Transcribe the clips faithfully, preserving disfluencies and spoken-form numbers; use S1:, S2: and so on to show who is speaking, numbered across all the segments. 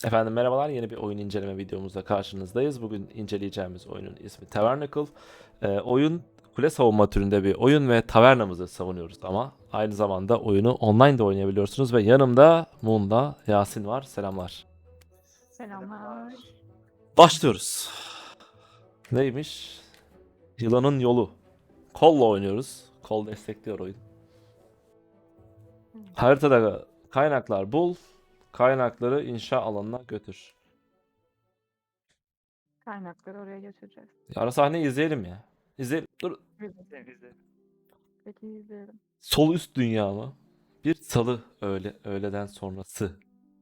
S1: Efendim merhabalar, yeni bir oyun inceleme videomuzda karşınızdayız. Bugün inceleyeceğimiz oyunun ismi Tavernacle. Ee, oyun kule savunma türünde bir oyun ve tavernamızı savunuyoruz ama aynı zamanda oyunu online de oynayabiliyorsunuz ve yanımda Moon'la Yasin var. Selamlar.
S2: Selamlar.
S1: Başlıyoruz. Neymiş? Yılanın yolu. Kolla oynuyoruz. Kol destekliyor oyun. Haritada kaynaklar bul, kaynakları inşa alanına götür.
S2: Kaynakları oraya götüreceğiz.
S1: Ara sahneyi izleyelim ya. İzleyelim. Dur.
S2: Güzel. Peki izleyelim.
S1: Sol üst dünya mı? Bir salı öğle, öğleden sonrası.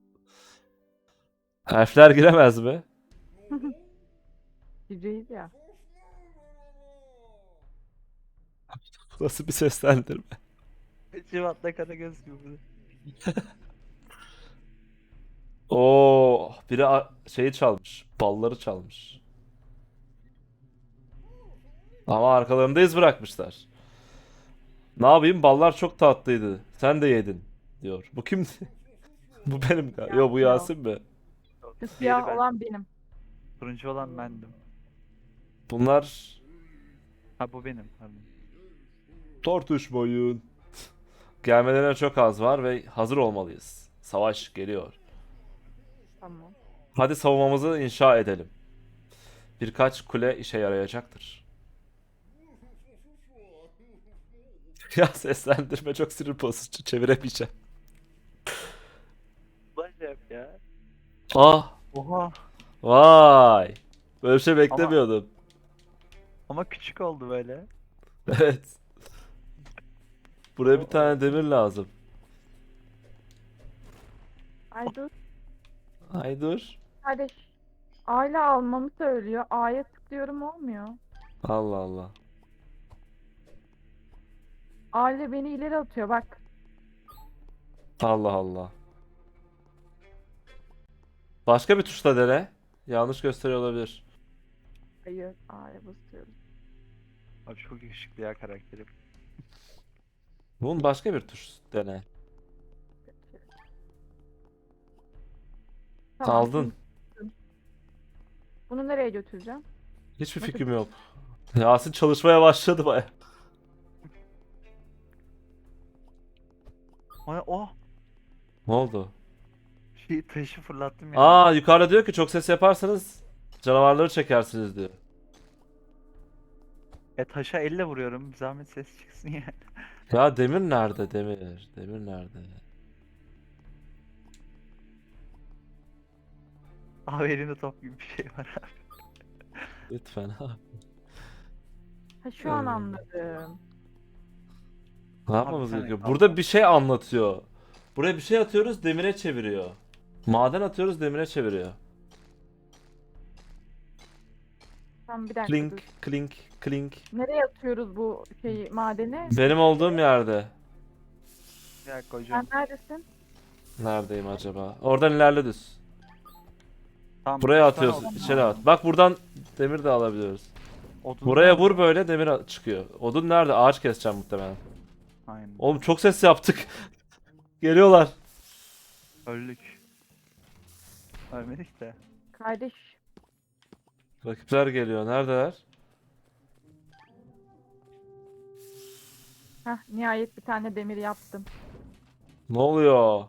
S1: Harfler giremez mi?
S2: Gireceğiz ya.
S1: Bu nasıl bir seslendirme?
S3: Civat'la Karagöz gibi.
S1: Oo, biri a- şeyi çalmış. Balları çalmış. Ama arkalarında iz bırakmışlar. Ne yapayım? Ballar çok tatlıydı. Sen de yedin diyor. Bu kimdi? Bu benim galiba. Yo, bu
S2: Siyah.
S1: Yasin mi?
S2: Şu
S3: Diğeri
S2: siyah
S3: ben.
S2: olan benim.
S3: Turuncu olan bendim.
S1: Bunlar
S3: Ha bu benim. Pardon.
S1: tartışmayın. Gelmelerine çok az var ve hazır olmalıyız. Savaş geliyor.
S2: Tamam.
S1: Hadi savunmamızı inşa edelim. Birkaç kule işe yarayacaktır. Ya seslendirme çok sinir bozucu. Çeviremeyeceğim.
S3: Ulan şey yap ya.
S1: Ah,
S3: Oha.
S1: vay. Böyle bir şey beklemiyordum.
S3: Ama küçük oldu böyle.
S1: Evet. Buraya bir tane demir lazım.
S2: Ay dur.
S1: Ay dur.
S2: Kardeş. Aile almamı söylüyor. A'ya tıklıyorum olmuyor.
S1: Allah Allah.
S2: Aile beni ileri atıyor bak.
S1: Allah Allah. Başka bir tuşla dene. Yanlış gösteriyor olabilir.
S2: Hayır. A'ya basıyorum.
S3: Abi çok yakışıklı ya karakterim.
S1: Bunun başka bir tuş dene.
S2: Peki. Tamam.
S1: Aldın.
S2: Şimdi bunu nereye götüreceğim?
S1: Hiçbir
S2: Nasıl-
S1: fikrim yok. Yasin çalışmaya başladı baya.
S3: O ne? Oh.
S1: Ne oldu?
S3: Şey taşı fırlattım ya.
S1: Aa, yukarıda diyor ki çok ses yaparsanız canavarları çekersiniz diyor.
S3: E taşa elle vuruyorum. Bir zahmet ses çıksın ya.
S1: Ya demir nerede demir? Demir nerede?
S3: Abi elinde top gibi bir şey var abi.
S1: Lütfen ha.
S2: Ha şu an
S1: Ee,
S2: anladım.
S1: Ne yapmamız
S3: bir tane
S1: gerekiyor?
S3: kaldı.
S1: Burada bir şey anlatıyor. Buraya bir şey atıyoruz, demire çeviriyor. Maden atıyoruz, demire çeviriyor.
S2: Tamam bir dakika
S1: Klink,
S2: dur.
S1: klink, klink.
S2: Nereye atıyoruz bu şeyi madeni?
S1: Benim olduğum yerde.
S3: Bir dakika hocam.
S2: Sen neredesin?
S1: Neredeyim acaba? Oradan ilerle düz.
S3: Tamam,
S1: Buraya
S3: üç tane
S1: atıyorsun,
S3: odun
S1: içeri
S3: var.
S1: at. Bak buradan demir de alabiliyoruz.
S3: Odun
S1: Buraya
S3: var
S1: vur
S3: mı?
S1: böyle demir a- çıkıyor. Odun nerede? Ağaç keseceğim muhtemelen.
S3: Aynen.
S1: Oğlum çok ses yaptık. Geliyorlar.
S3: Öldük. Ölmedik de.
S2: Kardeş.
S1: Rakipler geliyor. Neredeler?
S2: Heh, nihayet bir tane demir yaptım.
S1: Ne oluyor?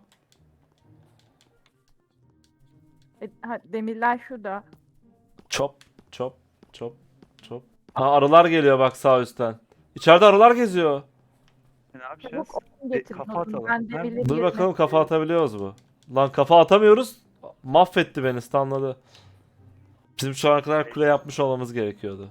S2: E, ha, demirler şurada.
S1: Çop, çop, çop, çop. Ha, arılar geliyor bak sağ üstten. İçeride arılar geziyor.
S3: E, ne yapacağız?
S2: Çabuk odun
S3: E,
S2: getirin.
S3: kafa
S2: odun.
S3: atalım.
S2: Ben
S3: Nerede?
S2: demirleri
S1: Dur
S2: yerine
S1: bakalım kafa
S2: koyuyorum.
S1: atabiliyoruz mu? Lan kafa atamıyoruz. Mahvetti beni, stunladı. Bizim şu ana kadar kule yapmış olmamız gerekiyordu.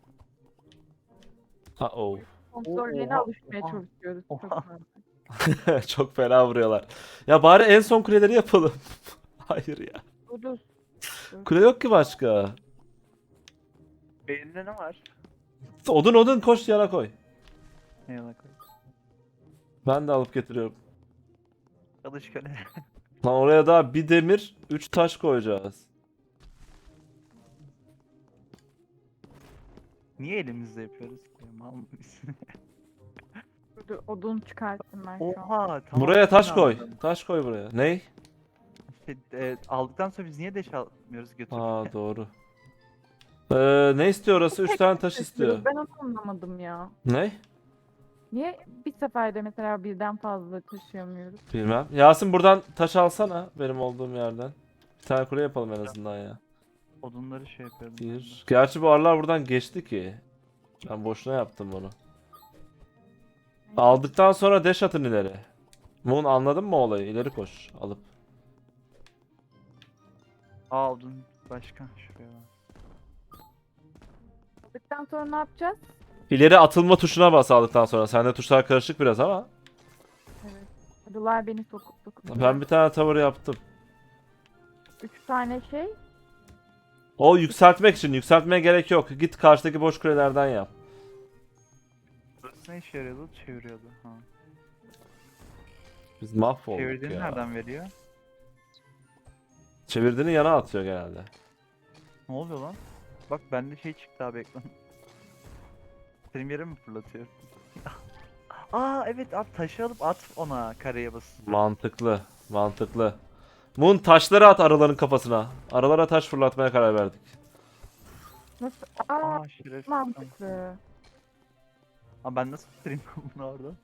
S1: Ha oh.
S2: Kontrollerine
S3: Oha,
S2: alışmaya
S3: oha,
S2: çalışıyoruz. Çok
S3: oha.
S2: fazla.
S1: Çok fena vuruyorlar. Ya bari en son kuleleri yapalım. Hayır ya.
S2: Dur dur.
S1: Kule yok ki başka.
S3: Beyninde ne var?
S1: Odun odun koş yana koy.
S3: Ne yana koy?
S1: Ben de alıp getiriyorum.
S3: Çalış köle.
S1: Lan oraya daha bir demir, üç taş koyacağız.
S3: Niye elimizde yapıyoruz? Ya, mal mıyız?
S2: Dur, dur. Odun çıkarttım ben şu an.
S3: Oha tamam.
S1: Buraya taş
S3: şimdi
S1: koy.
S3: anladım.
S1: Taş koy buraya. Ney?
S3: Şey, e, aldıktan sonra biz niye deş almıyoruz götürürken?
S1: Aa doğru. Ee, ne istiyor orası? Üç
S2: Tek
S1: tane
S2: tek
S1: taş
S2: taşıyoruz.
S1: istiyor.
S2: Ben onu anlamadım ya.
S1: Ne?
S2: Niye bir seferde mesela birden fazla taşıyamıyoruz?
S1: Bilmem. Yasin buradan taş alsana benim olduğum yerden. Bir tane kule yapalım en azından ya.
S3: Odunları şey yapıyorum. ben de.
S1: Bir. Gerçi bu arılar buradan geçti ki. Ben boşuna yaptım bunu. Aldıktan sonra dash atın ileri. Moon anladın mı olayı? İleri koş alıp.
S3: Aa odun başka şuraya bak.
S2: Aldıktan sonra ne yapacağız?
S1: İleri atılma tuşuna bas aldıktan sonra. Sende tuşlar karışık biraz ama.
S2: Evet. Arılar beni sokup sokup.
S1: Ben bir tane tavır yaptım.
S2: Üç tane şey.
S1: O yükseltmek için. Yükseltmeye gerek yok. Git karşıdaki boş kulelerden yap.
S3: Burası ne işe yarıyordu? Çeviriyordu. Ha.
S1: Biz mahvolduk
S3: Çevirdiğini
S1: ya.
S3: nereden veriyor?
S1: Çevirdiğini yana atıyor genelde.
S3: Ne oluyor lan? Bak bende şey çıktı abi ekran. Benim yere mi fırlatıyor? Aa evet abi taşı alıp at ona kareye bas.
S1: Mantıklı. Mantıklı. Moon taşları at arıların kafasına. Arılara taş fırlatmaya karar verdik.
S2: Nasıl? Aa,
S3: Aa şerefsiz.
S2: mantıklı.
S3: Aa ben nasıl bitireyim bunu orada?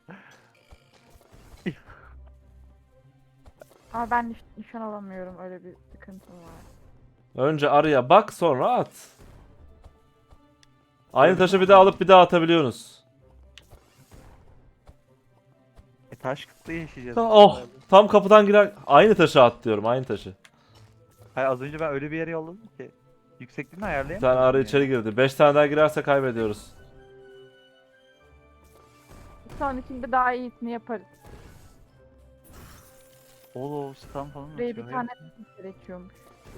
S2: Ama ben niş- nişan alamıyorum. Öyle bir sıkıntım var.
S1: Önce arıya bak sonra at. Aynı
S3: Öyle
S1: taşı
S3: mi?
S1: bir daha alıp bir daha atabiliyorsunuz.
S3: E taş kıtlığı yaşayacağız.
S1: Ta- Oh, tam kapıdan girer. Aynı taşı at diyorum, aynı taşı.
S3: Hayır az önce ben öyle bir yere yolladım ki. Yüksekliğini
S1: Bir
S3: ayarlayamadım.
S1: tane arı
S3: ya.
S1: içeri girdi. Beş tane daha girerse kaybediyoruz.
S2: Bir sonrakinde daha iyisini yaparız.
S3: Oo stun falan
S2: Buraya
S3: atıyor.
S2: bir tane gerekiyormuş.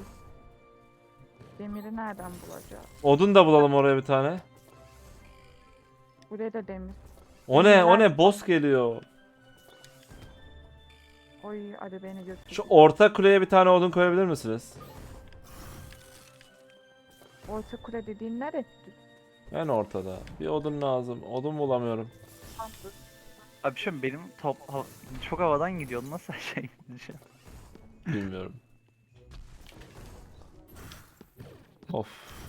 S2: Demiri nereden bulacağız?
S1: Odun da bulalım oraya bir tane.
S2: Buraya da demir.
S1: O ne? O ne? Boss geliyor.
S2: Oy hadi beni götür.
S1: Şu orta kuleye bir tane odun koyabilir misiniz?
S2: Orta kule dediğin neresi?
S1: En ortada. Bir odun lazım. Odun bulamıyorum.
S3: Abi şu benim top ha- çok havadan gidiyor. Nasıl şey gideceğim?
S1: Bilmiyorum. Of.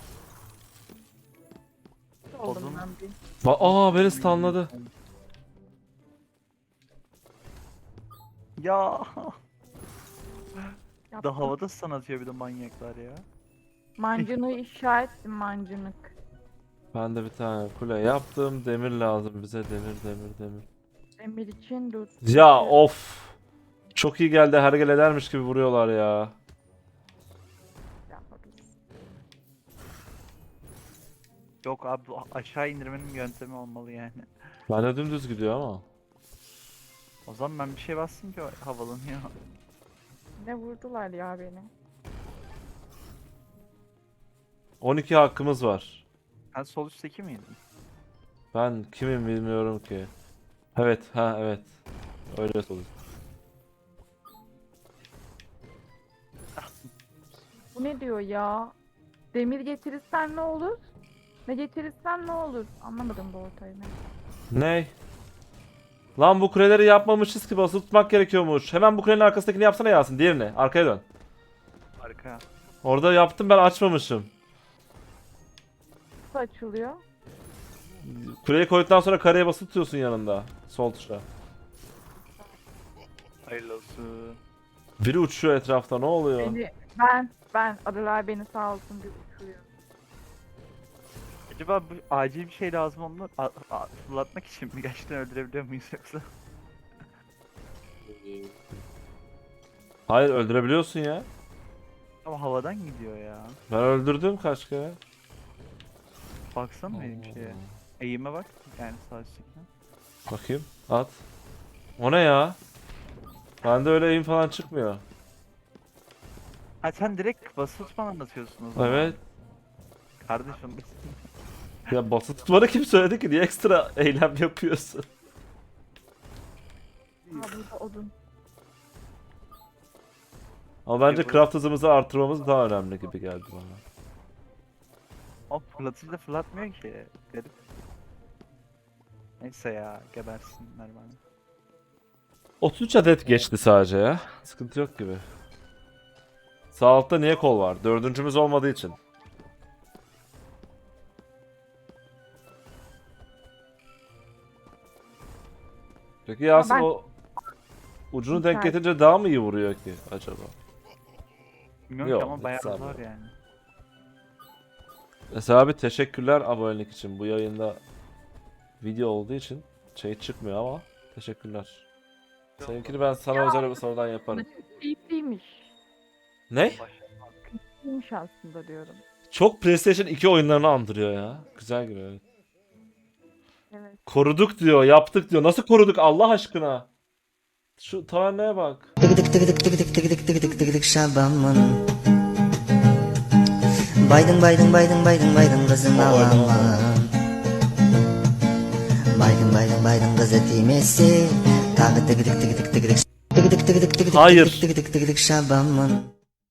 S2: Oldum
S3: Odun.
S2: ben bir.
S1: Ba Aa beni stunladı.
S3: Ya
S2: Yaptım.
S3: da havada stun atıyor bir de manyaklar ya.
S2: Mancınığı inşa ettim mancınık.
S1: Ben de bir tane kule yaptım. Demir lazım bize. Demir, demir, demir.
S2: Demir için dur.
S1: Ya of. Çok iyi geldi. Hergel edermiş gibi vuruyorlar ya.
S2: Yapabiliriz.
S3: Yok abi bu aşağı indirmenin yöntemi olmalı yani.
S1: Ben de dümdüz gidiyor ama.
S3: O zaman ben bir şey bastım ki o havalanıyor.
S2: Ne vurdular ya beni.
S1: on iki hakkımız var.
S3: Sen sol üstteki miydin?
S1: Ben kimim bilmiyorum ki. Evet, ha evet. Öyle olur.
S2: Bu ne diyor ya? Demir getirirsen ne olur? Ne getirirsen ne olur? Anlamadım bu ortayı ben.
S1: Ney? Lan bu kuleleri yapmamışız ki basılı tutmak gerekiyormuş. Hemen bu kulenin arkasındakini yapsana Yasin. Diğerini. Arkaya dön.
S3: Arka.
S1: Orada yaptım ben açmamışım.
S2: Nasıl açılıyor?
S1: Kuleyi koyduktan sonra kareye basılı tutuyorsun yanında. Sol tuşa.
S3: Hayırlı olsun.
S1: Biri uçuyor etrafta ne oluyor?
S2: Beni, ben, ben, arılar beni sağ olsun bir uçuruyor.
S3: Acaba bu acil bir şey lazım onu a- a- fırlatmak için mi? Gerçekten öldürebiliyor muyuz yoksa?
S1: Hayır öldürebiliyorsun ya.
S3: Ama havadan gidiyor ya.
S1: Ben öldürdüm kaç kere.
S3: Baksana benim şeye. Eğime bak. Yani sağ üsttekine.
S1: Bakayım. At. O ne ya? Bende öyle eğim falan çıkmıyor.
S3: Ha sen direkt basılı tutmadan anlatıyorsun o zaman.
S1: Evet.
S3: Kardeşim.
S1: Ya basılı tutmanı kim söyledi ki? Niye ekstra eylem yapıyorsun?
S2: Aa burada odun.
S1: Ama bence
S3: Yapalım.
S1: craft hızımızı artırmamız daha önemli gibi geldi bana.
S3: O fırlatıcı da fırlatmıyor ki. Garip. Neyse ya gebersinler bana.
S1: otuz üç adet geçti sadece ya. Sıkıntı yok gibi. Sağ altta niye kol var? Dördüncümüz olmadığı için. Peki Yasin
S2: ben-
S1: o ucunu denk
S2: Müsait.
S1: getirince daha mı iyi vuruyor ki acaba?
S3: Bilmiyorum
S1: Yok,
S3: ki ama
S1: hiç
S3: bayağı
S1: sanmıyorum.
S3: zor yani.
S1: Mesela abi teşekkürler abonelik için. Bu yayında video olduğu için şey çıkmıyor ama teşekkürler. Seninkini ben sana özel bir sorudan yaparım.
S2: Keyifliymiş.
S1: Ne?
S2: Keyifliymiş aslında diyorum.
S1: Çok PlayStation iki oyunlarını andırıyor ya. Güzel gibi evet.
S2: Evet.
S1: Koruduk diyor, yaptık diyor. Nasıl koruduk Allah aşkına? Şu taverneye bak.
S4: Tıgıdık tıgıdık tıgıdık tıgıdık tıgıdık tıgıdık Şaban'ın Baydın baydın baydın baydın baydın kızın
S1: O oyunu
S4: aman Baydın baydın baydın kız etimesi Tağı tıgıdık tıgıdık tıgıdık Tıgıdık tıgıdık tıgıdık
S1: Hayır.
S4: tıgıdık tıgıdık tıgıdık Şaban'ın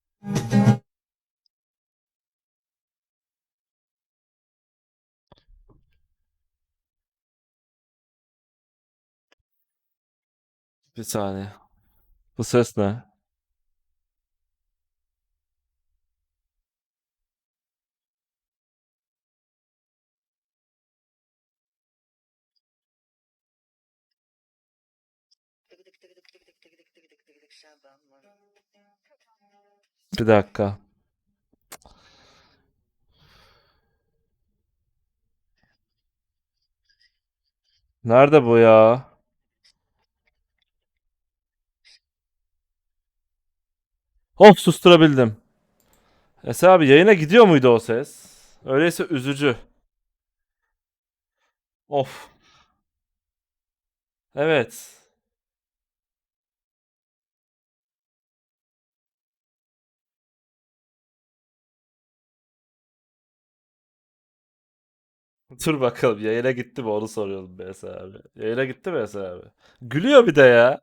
S1: Bir saniye. Bu ses ne? Bir dakika. Nerede bu ya? Of susturabildim. Esa abi yayına gidiyor muydu o ses? Öyleyse üzücü. Of. Evet. Dur bakalım yayına gitti mi onu soruyorum be Esa abi. Yayına gitti mi Esa abi? Gülüyor bir de ya.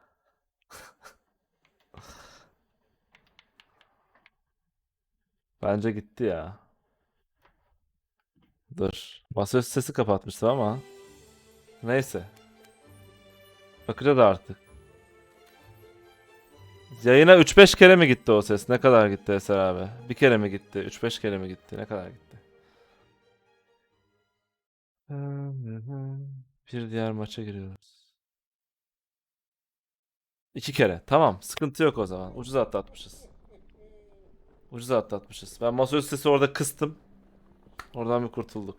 S1: Bence gitti ya. Dur. Masaüstü sesi kapatmıştım ama. Neyse. Bakacağız artık. Yayına üç beş kere mi gitti o ses? Ne kadar gitti Eser abi? Bir kere mi gitti? üç beş kere mi gitti? Ne kadar gitti? Bir diğer maça giriyoruz. İki kere. Tamam. Sıkıntı yok o zaman. Ucuz atlatmışız. Ucuz atlatmışız. Ben masaüstü sesi orada kıstım. Oradan bir kurtulduk.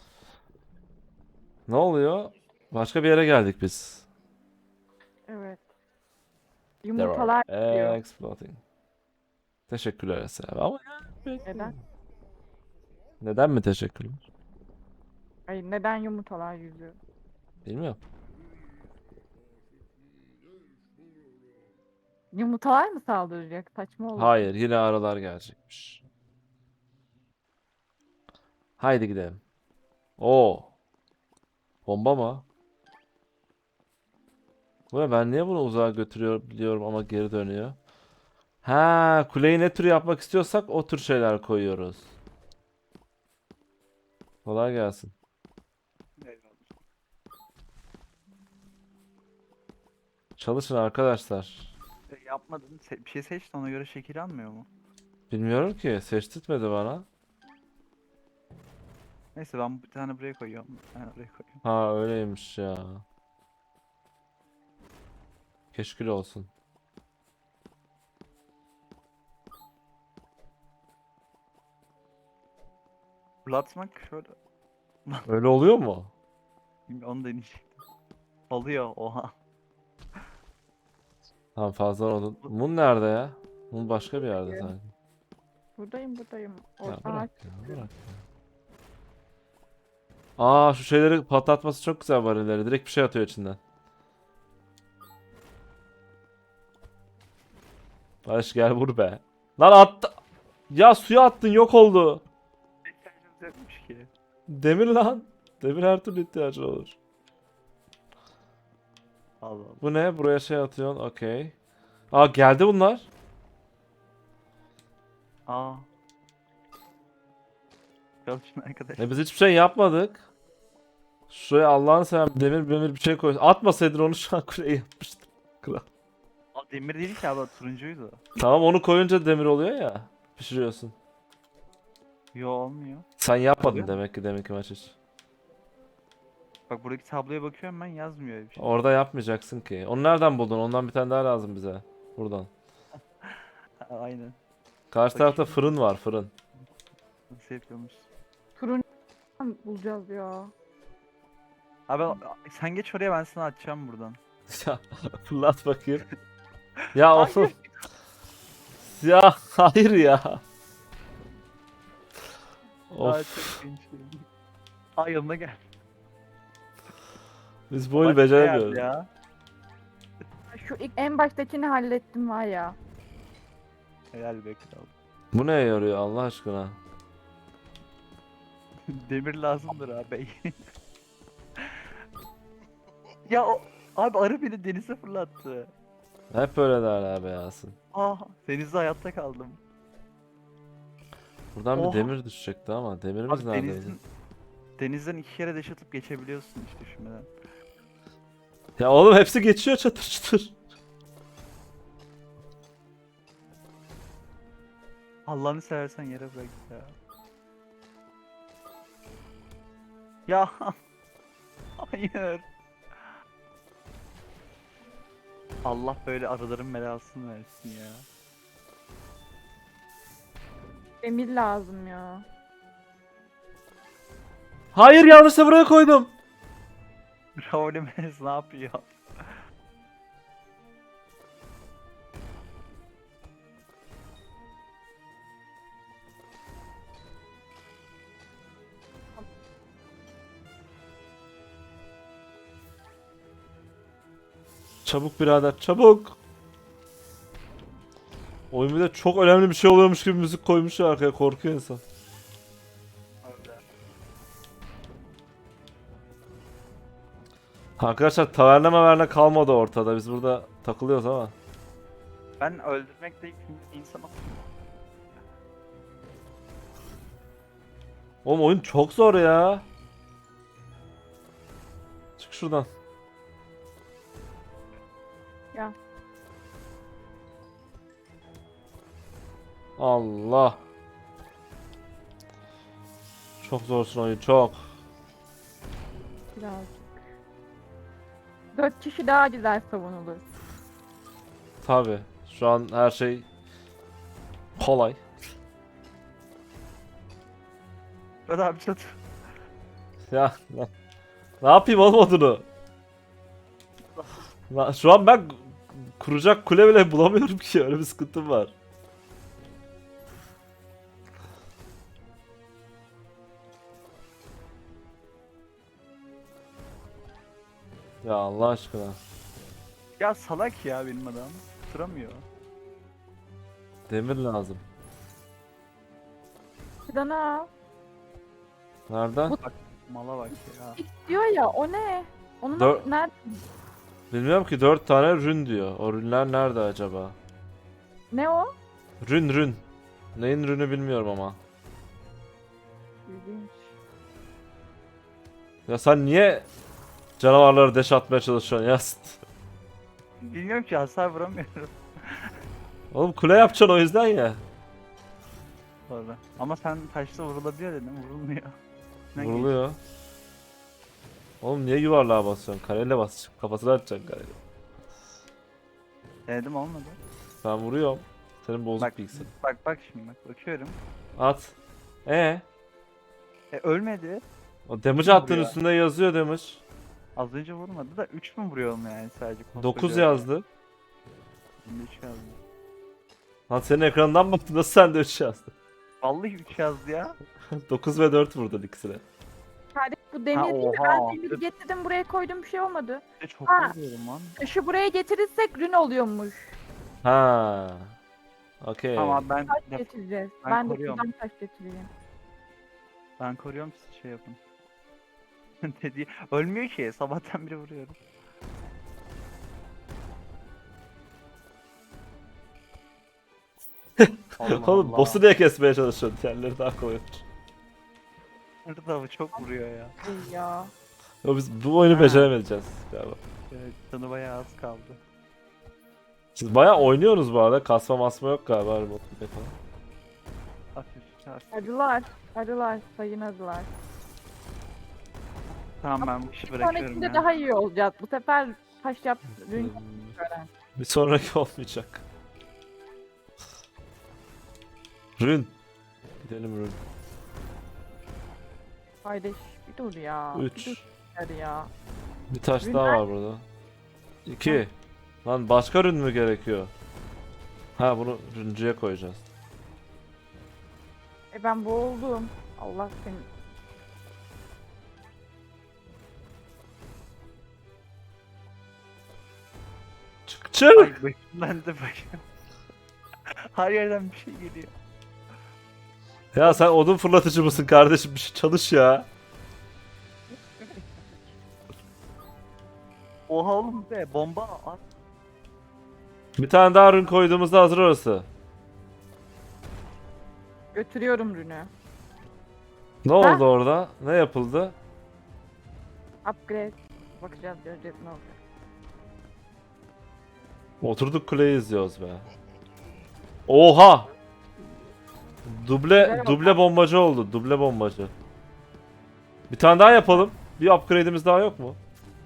S1: Ne oluyor? Başka bir yere geldik biz.
S2: Evet.
S1: There
S2: Yumurtalar
S1: are
S2: diyor.
S1: eggs floating. Teşekkürler Eser abi. Ama yani
S2: Neden?
S1: neden mi teşekkürler?
S2: Hayır, neden yumurtalar yüzüyor?
S1: Bilmiyorum.
S2: Yumurtalar mı saldıracak? Saçma olur.
S1: Hayır, yine aralar gelecekmiş. Haydi gidelim. Oo, bomba mı? Bu ne? Ben niye bunu uzağa götürüyor biliyorum ama geri dönüyor. Ha, kuleyi ne tür yapmak istiyorsak o tür şeyler koyuyoruz. Kolay gelsin. Çalışın arkadaşlar.
S3: E, yapmadın. Se- bir şey seçti ona göre şekil almıyor mu?
S1: Bilmiyorum ki, seçtirtmedi bana.
S3: Neyse ben bir tane buraya koyuyorum. Bir tane buraya koyuyorum.
S1: Ha, öyleymiş ya. Keşkül olsun.
S3: Fırlatmak şöyle.
S1: Öyle oluyor mu?
S3: Bilmiyorum, onu deneyecektim. Oluyor oha.
S1: Tamam fazla oldu. Mun nerede ya? Mun başka bir yerde
S2: Buradayım.
S1: sanki.
S2: Buradayım buradayım.
S1: Ya
S2: Oradan
S1: bırak
S2: aç.
S1: ya, bırak ya. Aa şu şeyleri patlatması çok güzel varilleri. Direkt bir şey atıyor içinden. Barış gel vur be. Lan attı. Ya suya attın yok oldu.
S3: İhtiyacımız yokmuş ki.
S1: Demir lan. Demir her türlü ihtiyacın olur.
S3: Allah Allah.
S1: Bu ne? Buraya şey atıyorsun. Okey. Aa geldi bunlar.
S3: Aa. Çalışın arkadaş.
S1: E biz hiçbir şey yapmadık. Şuraya Allah'ını seven demir demir bir şey koy. Atmasaydın onu şu an kuleye yapmıştım. Kral.
S3: At demir değil ki abi, turuncuydu.
S1: Tamam, onu koyunca demir oluyor ya. Pişiriyorsun.
S3: Yo, olmuyor.
S1: Sen yapmadın
S3: Oluyor mu?
S1: demek ki demek ki maç hiç.
S3: Bak buradaki tabloya bakıyorum ben, yazmıyor öyle bir şey.
S1: Orada yapmayacaksın ki. Onu nereden buldun? Ondan bir tane daha lazım bize. Buradan.
S3: Aynen.
S1: Karşı tarafta
S3: Bakayım.
S1: fırın var, fırın.
S3: Nasıl yapıyormuş?
S2: Turuncu bulacağız ya.
S3: Abi sen geç oraya, ben sana atacağım buradan.
S1: Ya fırlat bakayım. Ya
S3: Hayır.
S1: oğlum. Ya hayır ya.
S3: Aa,
S1: Of.
S3: çok genç. Ay, yanına gel.
S1: Biz bu oyunu
S3: Bak,
S1: beceremiyoruz.
S3: Ya.
S2: Şu ilk en baştakini hallettim var ya.
S3: Helal be kral.
S1: Bu neye yarıyor Allah aşkına?
S3: Demir lazımdır abi. Ya o, abi arı beni denize fırlattı.
S1: Hep öyle derler be Yasin.
S3: Ah, denizde hayatta kaldım.
S1: Buradan
S3: Oha.
S1: bir demir düşecekti ama demirimiz
S3: Abi
S1: neredeydi?
S3: denizin, denizden iki kere deş atıp geçebiliyorsun hiç düşünmeden.
S1: Ya oğlum hepsi geçiyor çatır çatır.
S3: Allah'ını seversen yere bırak ya. Ya hayır. Allah böyle arıların belasını versin ya.
S2: Demir lazım ya.
S1: Hayır, yanlışla buraya koydum.
S3: Raul Jimenez ne yapıyor?
S1: Çabuk birader, çabuk. Oyun bir de çok önemli bir şey oluyormuş gibi müzik koymuş ya arkaya, korkuyor insan. Arkadaşlar taverna maverna kalmadı ortada. Biz burada takılıyoruz ama.
S3: Ben öldürmekte yükümlü bir insanım.
S1: Oğlum oyun çok zor ya. Çık şuradan.
S2: Ya.
S1: Allah. Çok zorsun oyun, çok.
S2: Birazcık. Dört kişi daha güzel savunulur.
S1: Tabi. Şu an her şey kolay.
S3: Hadi abi çat.
S1: Ya ne, ne yapayım oğlum odunu? La- Şu an ben kuracak kule bile bulamıyorum ki, öyle bir sıkıntım var. Ya Allah aşkına.
S3: Ya salak ya benim adam. Tutamıyor.
S1: Demir lazım.
S2: Dana.
S1: Nereden?
S2: Bu-
S3: Mala bak ya.
S2: X diyor ya, o ne? Onu
S1: Dör-
S2: nasıl, nerede?
S1: Bilmiyorum ki, dört tane rün diyor. O rünler nerede acaba?
S2: Ne o?
S1: Rün rün. Neyin rünü bilmiyorum ama.
S2: İlginç.
S1: Ya sen niye canavarları deş atmaya çalışıyorsun ya?
S3: Bilmiyorum ki, hasar vuramıyorum.
S1: Oğlum kule yapacaksın o yüzden ya.
S3: Sonra. Ama sen taşla vurulabiliyor dedin, vurulmuyor. Ne
S1: Vuruluyor. Oğlum niye yuvarlığa basıyorsun? Kareyle basacaksın. Kafasına atacaksın kareyle.
S3: geç? Denedim, olmadı.
S1: Ben vuruyorum. Senin bozuk
S3: Bak,
S1: bilgisayar.
S3: bak bak şimdi bak bakıyorum.
S1: At. E
S3: E ölmedi.
S1: o damage attığın
S3: vuruyor?
S1: üstünde yazıyor damage.
S3: Az önce vurmadı da üç mü vuruyorum yani sadece?
S1: dokuz
S3: koskoca-
S1: yazdı.
S3: Şimdi üç yazdı.
S1: Lan senin ekrandan baktım, nasıl sen de üç yazdın?
S3: Vallahi üç yazdı ya.
S1: dokuz ve dört vurdun ikisine.
S2: Kardeş bu demir
S3: Ha,
S2: değil mi?
S3: oha.
S2: Ben demiri getirdim buraya koydum, bir şey olmadı.
S3: E, çok
S2: Ha.
S3: vuruyorum lan.
S2: Taşı buraya getirirsek rün oluyormuş.
S1: Ha. Okey.
S3: Tamam ben
S2: Taş
S3: def-
S2: getireceğiz.
S3: ben
S2: Ben, de
S3: koruyorum.
S2: buradan taş getireyim.
S3: ben koruyorum, siz şey yapın. Dedi ölmüyor ki, sabahtan beri vuruyorum. Allah
S1: Oğlum boss'u niye kesmeye çalışıyorsun? Diğerleri daha kolay olur.
S3: Burada çok vuruyor ya.
S2: İyi ya.
S1: Yo, biz bu oyunu
S3: Ha.
S1: beceremeyeceğiz galiba.
S3: Evet, canı bayağı az kaldı.
S1: Siz bayağı oynuyorsunuz bu arada. Kasma masma yok galiba. remote play falan.
S3: Hafif hafif.
S2: Arılar. Arılar. Sayın arılar.
S3: Tamam ben bu işi
S2: Bir
S3: bırakıyorum
S2: sonrakinde
S3: ya.
S2: daha iyi olacak. Bu sefer taş yap. Rün gören.
S1: Bir sonraki olmayacak. Rün. Gidelim Rün.
S2: Kardeş bir dur ya.
S1: Üç.
S2: Bir dur hadi ya.
S1: Bir taş
S2: Rün
S1: daha
S2: nerede?
S1: var burada. İki. Lan başka rün mü gerekiyor? Ha bunu rüncüye koyacağız.
S2: E ben boğuldum. Allah seni.
S1: Çık çık.
S3: Ay başımdan da başım. Her yerden bir şey geliyor.
S1: Ya sen odun fırlatıcı mısın kardeşim? Bir şey çalış ya.
S3: Oha oğlum be bomba at.
S1: Bir tane daha rün koyduğumuzda hazır orası.
S2: Götürüyorum rünü.
S1: Ne oldu orada? Ne yapıldı?
S2: Upgrade. Bakacağız göreceğiz ne olacak.
S1: Oturduk kuleyi izliyoruz be. Oha! Duble
S2: Güzel
S1: duble bombacı oldu. Duble bombacı. Bir tane daha yapalım. Bir upgrade'imiz daha yok mu?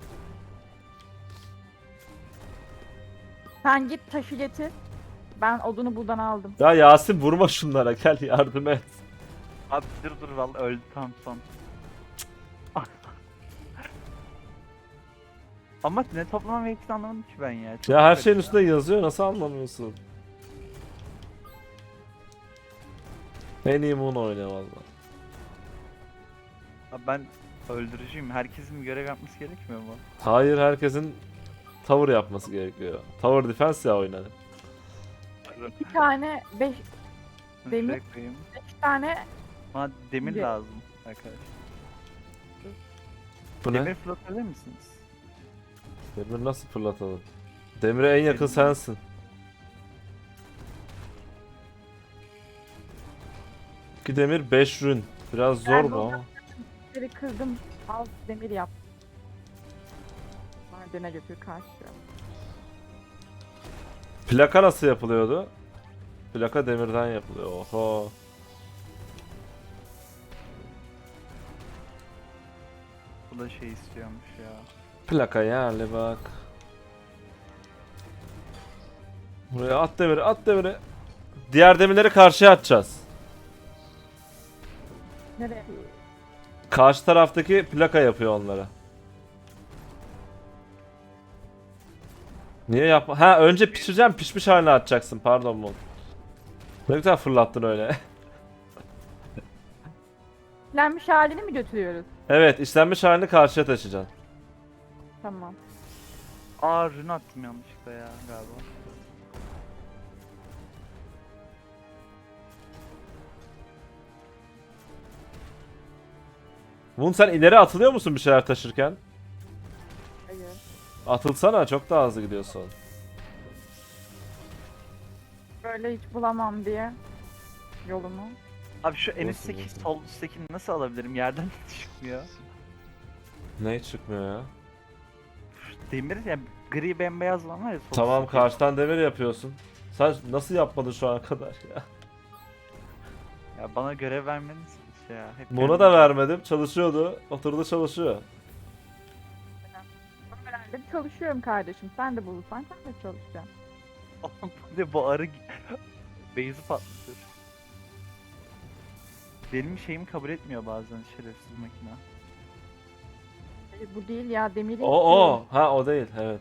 S2: Sen git taşı getir. Ben odunu buradan aldım.
S1: Ya Yasin vurma şunlara gel yardım et.
S3: Abi dur dur vallahi öldü tam son. Ama ne toplamam gerektiğini anlamadım ki ben ya. Çok
S1: Ya her
S3: garip
S1: şeyin
S3: ya.
S1: üstünde yazıyor nasıl anlamıyorsun? En iyi Moon oynuyor valla.
S3: Abi ben öldürücüyüm. Herkesin bir görev yapması gerekmiyor mu?
S1: Hayır herkesin tower yapması gerekiyor. Tower defense ya oynanır.
S2: İki tane, beş, Demir.
S3: Şuraya koyayım.
S2: beş tane
S3: Bana demir
S2: De-
S3: lazım arkadaşlar.
S1: Bu ne?
S3: Demir fırlatabilir misiniz?
S1: Demir nasıl fırlatalım? Demire en yakın
S3: Demir.
S1: sensin. İki demir beş rün. Biraz zor
S2: Ben
S1: mu ama?
S2: demiri kırdım. Al demir yap. Madene götür karşı.
S1: Plaka nasıl yapılıyordu? Plaka demirden yapılıyor. Oho.
S3: Bu da şey istiyormuş ya.
S1: Plaka yerli bak. Buraya at demiri, at demiri. Diğer demirleri karşıya atacağız.
S2: Nereye?
S1: Karşı taraftaki plaka yapıyor onlara. Niye yapma? Ha önce pişireceğim, pişmiş haline atacaksın. Pardon bu. Ne güzel fırlattın öyle.
S2: Lenmiş halini mi götürüyoruz?
S1: Evet, işlenmiş halini karşıya taşıyacaksın.
S2: Tamam.
S3: Aa rün attım yanlışlıkla ya galiba.
S1: Moon sen ileri atılıyor musun bir şeyler taşırken?
S2: Hayır.
S1: Atılsana, çok daha hızlı gidiyorsun.
S2: Böyle hiç bulamam diye yolumu.
S3: Abi şu en
S1: Nasıl,
S3: üstteki
S1: nasıl?
S3: sol üsttekini nasıl alabilirim? Yerden çıkmıyor.
S1: Ne çıkmıyor ya?
S3: Şu demir ya gri bembeyaz olan var ya sol
S1: Tamam,
S3: üstteki.
S1: karşıdan demir yapıyorsun. Sen nasıl yapmadın şu ana kadar ya?
S3: Ya bana görev vermeniz şey ya. Hep
S1: Moon'a
S3: kendim-
S1: da vermedim, çalışıyordu. Oturdu çalışıyor.
S2: Öğrendim çalışıyorum kardeşim. Sen de bulursan sen de çalışacaksın.
S3: Oğlum bu ne bu arı Beyzi patlatır. Benim şeyimi kabul etmiyor bazen şerefsiz makine.
S2: Hayır, bu değil ya demiri
S1: O o, ha o değil, evet.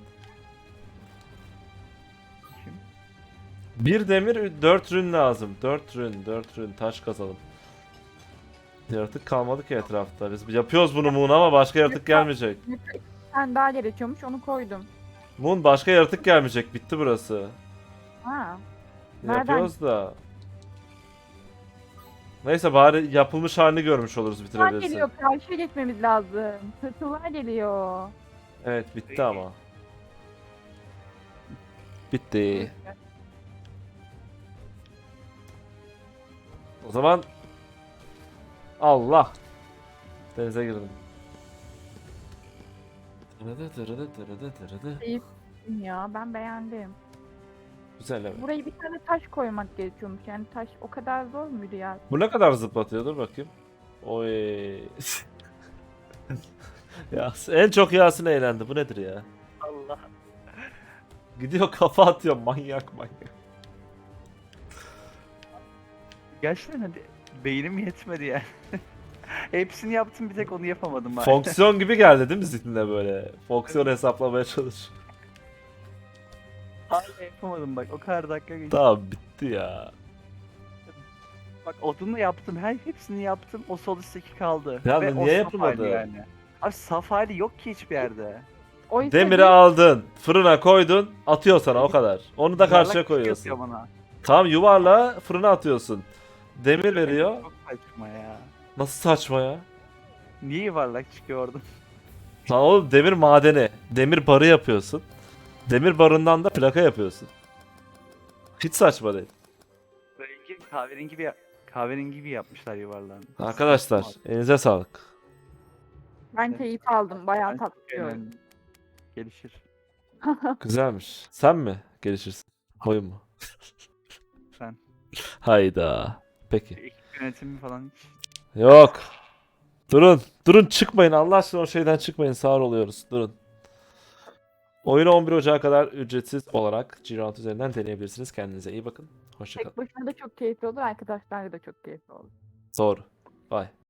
S3: Kim?
S1: Bir demir, dört rün lazım. Dört rün, dört rün, taş kazalım. Yaratık kalmadı ki etrafta. Biz yapıyoruz bunu Moon ama başka yaratık gelmeyecek.
S2: Sen daha gerekiyormuş onu koydum.
S1: Moon başka yaratık gelmeyecek. Bitti burası.
S2: Ha. Nereden?
S1: Yapıyoruz da. Neyse bari yapılmış halini görmüş oluruz
S2: Tırtıllar
S1: bitirebilirsin.
S2: geliyor. Karşıya geçmemiz lazım. Tırtıllar geliyor.
S1: Evet bitti ama. Bitti. O zaman Allah. Denize girdim. Tırıdı tırıdı tırıdı tırıdı.
S2: Ya ben beğendim.
S1: Güzel evet.
S2: Buraya bir tane taş koymak gerekiyormuş. Yani taş o kadar zor muydu ya?
S1: Bu ne kadar zıplatıyor? Dur bakayım. Oy. Ya en çok Yasin eğlendi. Bu nedir ya?
S3: Allah.
S1: Gidiyor kafa atıyor manyak manyak.
S3: Gerçekten hadi beynim yetmedi yani. Hepsini yaptım bir tek onu yapamadım bari.
S1: Fonksiyon gibi geldi değil mi zihnine böyle? Fonksiyon hesaplamaya çalış.
S3: Hala yapamadım bak o kadar dakika geçti.
S1: Tamam bitti ya.
S3: Bak odunu yaptım her hepsini yaptım o sol üstteki kaldı.
S1: Ya
S3: Ve
S1: niye
S3: o saf
S1: yapılmadı?
S3: hali yani. Abi saf hali yok ki hiçbir yerde.
S2: Oysa
S1: Demiri
S2: bir-
S1: aldın, fırına koydun, atıyor sana o kadar. Onu da
S3: Yuvarlak
S1: karşıya
S3: bir şey
S1: koyuyorsun.
S3: atıyor bana.
S1: Tamam yuvarla fırına atıyorsun. Demir veriyor.
S3: Çok saçma ya.
S1: Nasıl saçma ya?
S3: Niye yuvarlak çıkıyor orada?
S1: Lan oğlum demir madeni. Demir barı yapıyorsun. Demir barından da plaka yapıyorsun. Hiç saçma değil.
S3: Rengi kahverengi bir kahverengi gibi yapmışlar yuvarlağını.
S1: Arkadaşlar elinize sağlık.
S2: Ben keyif aldım. Bayağı
S3: Ben
S2: tatlı
S3: çok
S2: bir oyun.
S3: eğlendim. Gelişir.
S1: Güzelmiş. Sen mi gelişirsin? Oyun mu?
S3: Ben.
S1: Hayda. Peki.
S3: Ekip yönetimi falan hiç.
S1: Yok. Durun. Durun çıkmayın. Allah aşkına o şeyden çıkmayın. Sağır oluyoruz. Durun. Oyunu on bir Ocağı kadar ücretsiz olarak G-Round üzerinden deneyebilirsiniz. Kendinize iyi bakın. Hoşçakalın.
S2: Tek başına da çok keyifli olur. Arkadaşlarla da çok keyifli olur.
S1: Doğru. Bye.